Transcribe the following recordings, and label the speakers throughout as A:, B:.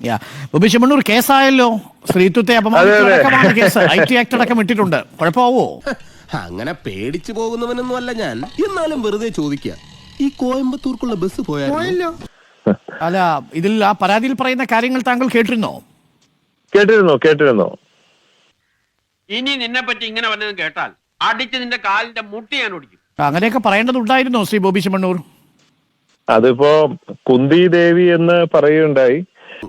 A: ബോബി ചെമ്മണ്ണൂർ കേസായല്ലോ, സ്ത്രീത്വത്തെ അപമാനിച്ചടക്കമാണ് case. IT act അടക്കം ഇട്ടിട്ടുണ്ട്. കുഴപ്പമാവോ?
B: അങ്ങനെ പേടിച്ചു പോകുന്നവനൊന്നും അല്ല ഞാൻ. എന്നാലും വെറുതെ ചോദിക്കുക, ഈ കോയമ്പത്തൂർക്കുള്ള ബസ് പോയാലോ?
A: അല്ല, ഇതിൽ ആ പരാതിയിൽ പറയുന്ന കാര്യങ്ങൾ താങ്കൾ കേട്ടിരുന്നോ?
C: കേട്ടിരുന്നോ.
D: ഇനി നിന്നെ പറ്റി ഇങ്ങനെ വല്ലതും കേട്ടാൽ അടിച്ച് നിന്റെ കാലിന്റെ മുട്ടി ഞാൻ ഓടിക്കും.
A: അങ്ങനെയൊക്കെ പറയേണ്ടതുണ്ടായിരുന്നോ ശ്രീ ബോബി ചെമ്മണ്ണൂർ?
C: അതിപ്പോ കുന്തി ദേവി എന്ന് പറയുകയുണ്ടായി.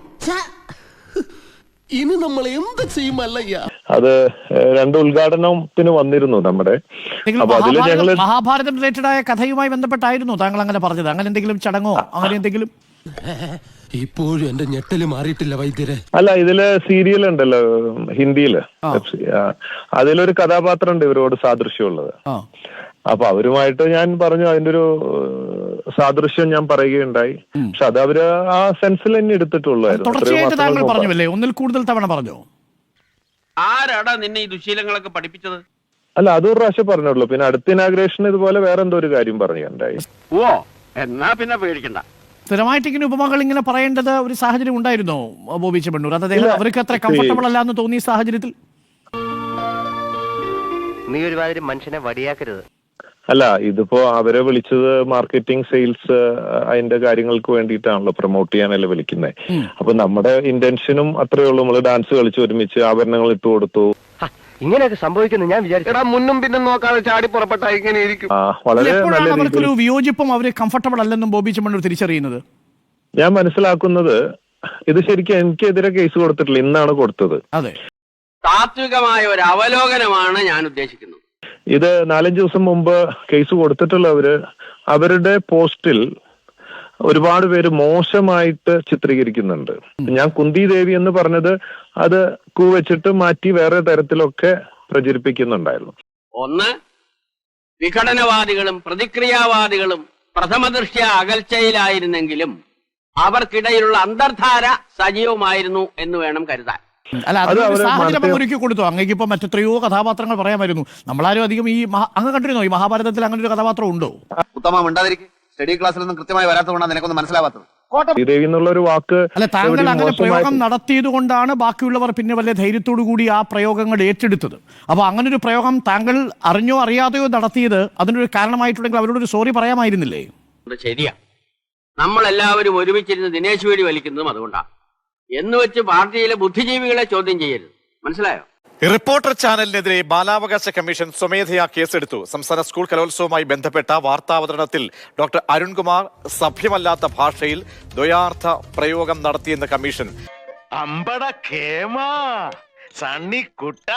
B: ഇനി നമ്മൾ എന്ത് ചെയ്യുമല്ലയ്യ?
C: അത് രണ്ട് ഉദ്ഘാടനത്തിന് വന്നിരുന്നു നമ്മുടെ. അപ്പൊ അതില് ഞങ്ങള്
A: മഹാഭാരതം റിലേറ്റഡ് ആയ കഥയുമായി ബന്ധപ്പെട്ടായിരുന്നു താങ്കൾ അങ്ങനെ പറഞ്ഞത്? അങ്ങനെ എന്തെങ്കിലും ചടങ്ങോ അങ്ങനെ എന്തെങ്കിലും?
B: ഇപ്പോഴും എന്റെ ഞെട്ടല് മാറിയിട്ടില്ല വൈദ്യരെ.
C: അല്ല, ഇതില് സീരിയൽ ഉണ്ടല്ലോ ഹിന്ദിയില്, അതിലൊരു കഥാപാത്രം ഉണ്ട് ഇവരോട് സാദൃശ്യമുള്ളത്. അപ്പൊ അവരുമായിട്ട് ഞാൻ പറഞ്ഞു, അതിന്റെ ഒരു സാദൃശ്യം ഞാൻ പറയുകയുണ്ടായി. പക്ഷെ അത് അവര് ആ സെൻസിൽ തന്നെ എടുത്തിട്ടുള്ളായിരുന്നു.
A: തുടർച്ചയായിട്ട് താങ്കൾ പറഞ്ഞല്ലേ, ഒന്നിൽ കൂടുതൽ തവണ പറഞ്ഞോ?
D: ആരാടാ നിന്നെ ഈ ദുശീലങ്ങളൊക്കെ പഠിപ്പിച്ചത്?
C: അല്ല, അതൊരു പ്രാവശ്യം പറഞ്ഞുള്ളൂ. പിന്നെ അടുത്ത ഇനാഗ്രേഷൻ ഇതുപോലെ വേറെ എന്തോ ഒരു കാര്യം പറയുകയുണ്ടായി.
D: ഓ, എന്നാ പിന്നെ പേടിക്കണ്ട.
A: സ്ഥിരമായിട്ട് ഇങ്ങനെ ഉപമകൾ ഇങ്ങനെ പറയേണ്ടത് ഒരു സാഹചര്യം ഉണ്ടായിരുന്നോ ബോബി ചെമ്മണ്ണൂർ? അത് അവർക്ക് അത്ര കംഫർട്ടബിൾ അല്ല എന്ന് തോന്നിയ സാഹചര്യത്തിൽ
E: നീ ഒരുമാതിരി മനുഷ്യനെ വടിയാക്കരുത്.
C: അല്ല, ഇതിപ്പോ അവരെ വിളിച്ചത് മാർക്കറ്റിംഗ്, സെയിൽസ്, അതിന്റെ കാര്യങ്ങൾക്ക് വേണ്ടിയിട്ടാണല്ലോ, പ്രൊമോട്ട് ചെയ്യാനല്ലേ വിളിക്കുന്നത്. അപ്പൊ നമ്മുടെ ഇന്റൻഷനും അത്രയേ ഉള്ളൂ. നമ്മള് ഡാൻസ് കളിച്ച് ഒരുമിച്ച് ആഭരണങ്ങൾ ഇട്ട് കൊടുത്തു.
E: ഇങ്ങനെയൊക്കെ സംഭവിക്കുന്നു ഞാൻ വിചാരിച്ചു.
D: മുന്നും പിന്നും നോക്കാതെ ചാടി പുറപ്പെട്ട ഇങ്ങനെ ഇരിക്കും.
C: വളരെ നല്ല
A: അവർക്കൊരു വിയോജിപ്പും അവര് കംഫർട്ടബിൾ അല്ലെന്നും ബോബി ചെമ്മണ്ണൂർ തിരിച്ചറിയുന്നത്
C: ഞാൻ മനസ്സിലാക്കുന്നത്. ഇത് ശരിക്കും എനിക്കെതിരെ കേസ് കൊടുത്തിട്ടില്ല, ഇന്നാണ് കൊടുത്തത്.
A: അതെ,
D: താത്വികമായ ഒരു അവലോകനമാണ് ഞാൻ ഉദ്ദേശിക്കുന്നത്.
C: ഇത് 4-5 ദിവസം മുമ്പ് കേസ് കൊടുത്തിട്ടുള്ളവര് അവരുടെ പോസ്റ്റിൽ ഒരുപാട് പേര് മോശമായിട്ട് ചിത്രീകരിക്കുന്നുണ്ട്. ഞാൻ കുന്തി ദേവി എന്ന് പറഞ്ഞത് അത് വെച്ചിട്ട് മാറ്റി വേറെ തരത്തിലൊക്കെ പ്രചരിപ്പിക്കുന്നുണ്ടായിരുന്നു.
D: ഒന്ന്, വിഘടനവാദികളും പ്രതിക്രിയാവാദികളും പ്രഥമദൃഷ്ട്യ അകൽച്ചയിലായിരുന്നെങ്കിലും അവർക്കിടയിലുള്ള അന്തർധാര സജീവമായിരുന്നു എന്ന് വേണം കരുതാൻ.
A: അല്ല, അതൊരു സാഹചര്യം ഒരുക്കി കൊടുത്തു. അങ്ങേക്ക് ഇപ്പൊ മറ്റെത്രയോ കഥാപാത്രങ്ങൾ പറയാമായിരുന്നു. നമ്മളാരും അധികം ഈ അങ്ങ് കണ്ടിരുന്നോ ഈ മഹാഭാരതത്തിൽ അങ്ങനെ ഒരു കഥാപാത്രം ഉണ്ടോ?
F: ഉത്തമം ഉണ്ടാതിരിക്കും. സ്റ്റഡി ക്ലാസ്സിലൊന്നും കൃത്യമായി വരാത്തതുകൊണ്ടാണ് നിനക്കൊന്നും മനസ്സിലാവാത്തത്.
C: ദേവി എന്നുള്ള ഒരു വാക്ക്
A: അല്ല, താങ്കൾ അങ്ങനെ പ്രയോഗം നടത്തിയത് കൊണ്ടാണ് ബാക്കിയുള്ളവർ പിന്നെ വലിയ ധൈര്യത്തോടു കൂടി ആ പ്രയോഗങ്ങൾ ഏറ്റെടുത്തത്. അപ്പൊ അങ്ങനെ ഒരു പ്രയോഗം താങ്കൾ അറിഞ്ഞോ അറിയാതെയോ നടത്തിയത് അതിനൊരു കാരണമായിട്ടുണ്ടെങ്കിൽ അവരോടൊരു സോറി പറയാമായിരുന്നില്ലേ?
D: ശരിയാ, നമ്മളെല്ലാവരും ഒരുമിച്ചിരുന്ന് ദിനേശ് വേടി വലിക്കുന്നതും അതുകൊണ്ടാണ്. എന്ന് വെച്ച് പാർട്ടിയിലെ ബുദ്ധിജീവികളെ ചോദ്യം ചെയ്യരുത്, മനസ്സിലായോ?
G: റിപ്പോർട്ടർ ചാനലിനെതിരെ ബാലാവകാശ കമ്മീഷൻ സ്വമേധയാ കേസെടുത്തു. സംസ്ഥാന സ്കൂൾ കലോത്സവവുമായി ബന്ധപ്പെട്ട വാർത്താവതരണത്തിൽ ഡോക്ടർ അരുൺകുമാർ സഭ്യമല്ലാത്ത ഭാഷയിൽ ദ്വയാർത്ഥ പ്രയോഗം നടത്തിയെന്ന് കമ്മീഷൻ.
H: അമ്പട കേമാ സണ്ണിക്കുട്ട,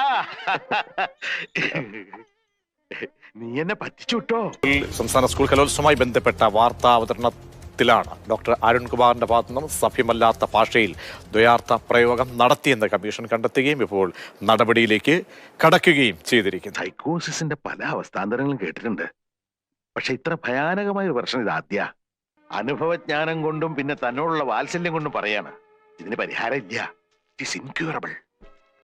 H: നീ എന്നെ പറ്റിച്ചുട്ടോ.
G: സംസ്ഥാന സ്കൂൾ കലോത്സവവുമായി ബന്ധപ്പെട്ട വാർത്താവതരണത്തിലാണ് ഡോക്ടർ അരുൺകുമാറിന്റെ ഭാഗത്തുനിന്നും സഭ്യമല്ലാത്ത ഭാഷയിൽ ദ്വയാർത്ഥ പ്രയോഗം നടത്തിയെന്ന് കമ്മീഷൻ കണ്ടെത്തുകയും ഇപ്പോൾ നടപടിയിലേക്ക് കടക്കുകയും ചെയ്തിരിക്കുന്നു.
H: സൈക്കോസിന്റെ പല അവസ്ഥാന്തരങ്ങളും കേട്ടിട്ടുണ്ട്, പക്ഷെ ഇത്ര ഭയാനകമായ ഒരു പ്രശ്നം ഇതാദ്യ. അനുഭവജ്ഞാനം കൊണ്ടും പിന്നെ തന്നോടുള്ള വാത്സല്യം കൊണ്ടും പറയാണ് ഇതിന് പരിഹാരം ഇല്ല. It is incurable.